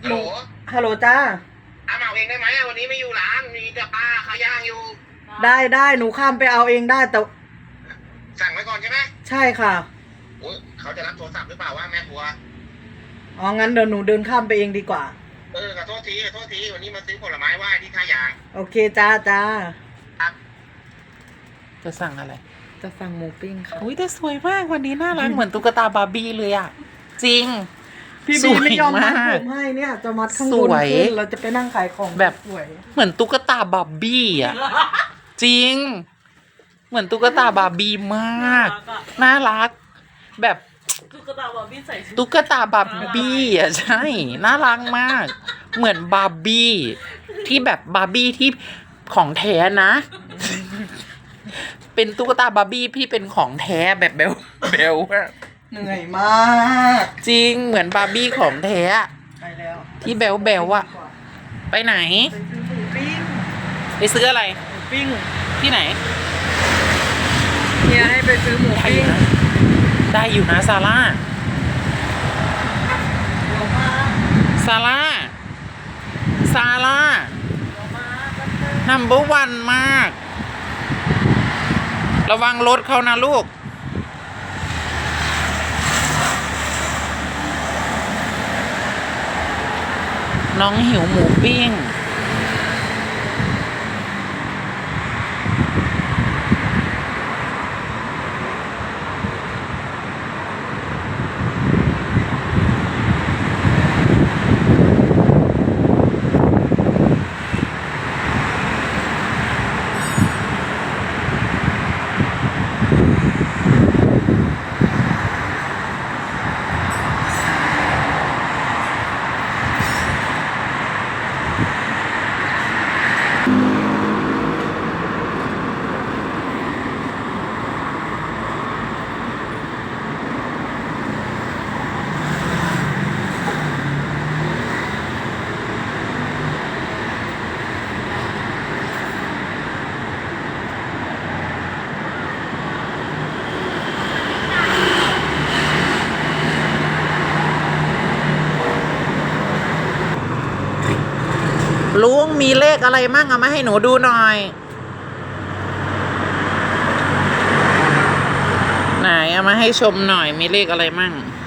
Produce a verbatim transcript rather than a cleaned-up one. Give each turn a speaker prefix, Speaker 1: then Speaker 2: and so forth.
Speaker 1: ฮัลโหล
Speaker 2: ฮัลโหลจ้า
Speaker 1: อาเอาเองได้ไหมวันนี้ไม่อยู่ร้านมีแต่ป้าเขาย่างอยู่
Speaker 2: ได้ได้หนูข้ามไปเอาเองได้แต่
Speaker 1: สั่งไว้ก่อนใช่ไหม
Speaker 2: ใช่ค่ะ
Speaker 1: โอ้ยเขาจะรับโทรศัพท์หรือเปล่าว่าแม่ครัว
Speaker 2: อ๋องั้นเดี๋ยวหนูเดินข้ามไปเองดีกว่า
Speaker 1: เออขอโทษทีขอโทษทีวันนี้มาซื้อผลไม้ไหว้ที่ท่ายาง
Speaker 2: โอเคจ้าจ้า
Speaker 1: ครับ
Speaker 3: จะสั่งอะไร
Speaker 2: จะสั่งหมูปิ้งค่ะ
Speaker 3: อุ้ยแต่สวยมากวันนี้น่ารักเหมือนตุ๊กตาบาร์บี้เลยอ่ะจริง
Speaker 2: พี่บีไม่ยอมมัดผมให้เนี่ยจะมัดข้างบนขึ้นเราจะไปนั่งขายของ
Speaker 3: แบบเหมือนตุ๊กตาบาร์บี้อ่ะจริงเหมือนตุ๊กตาบาร์บี้มากน่ารักแบบ
Speaker 4: ตุ๊กตาบาร์บี้ใส่ชุด
Speaker 3: ตุ๊กตาบาร์บี้อ่ะใช่น่ารักมากเหมือนบาร์บี้ที่แบบบาร์บี้ที่ของแท้นะเป็นตุ๊กตาบาร์บี้พี่เป็นของแท้แบบเบลเบล
Speaker 2: เหนื่อยมาก
Speaker 3: จริงเหมือนบาร์บี้ของแท้
Speaker 2: ไปแล้ว
Speaker 3: ที่เบลเบลอะไปไหน
Speaker 2: ไปซื้อหมูปิ้ง
Speaker 3: ไปซื้ออะไร
Speaker 2: หมูปิ้ง
Speaker 3: ที่ไหน
Speaker 2: เฮียให้ไปซื้อหมูปิ้ง
Speaker 3: ได้อยู่นะซาร่าซาร่าซาร่านัมเบอร์วันมากระวังรถเขานะลูกน้องหิวหมูปิ้งลุงมีเลขอะไรมั่งเอามาให้หนูดูหน่อยไหนเอามาให้ชมหน่อยมีเลขอะไรมั่ง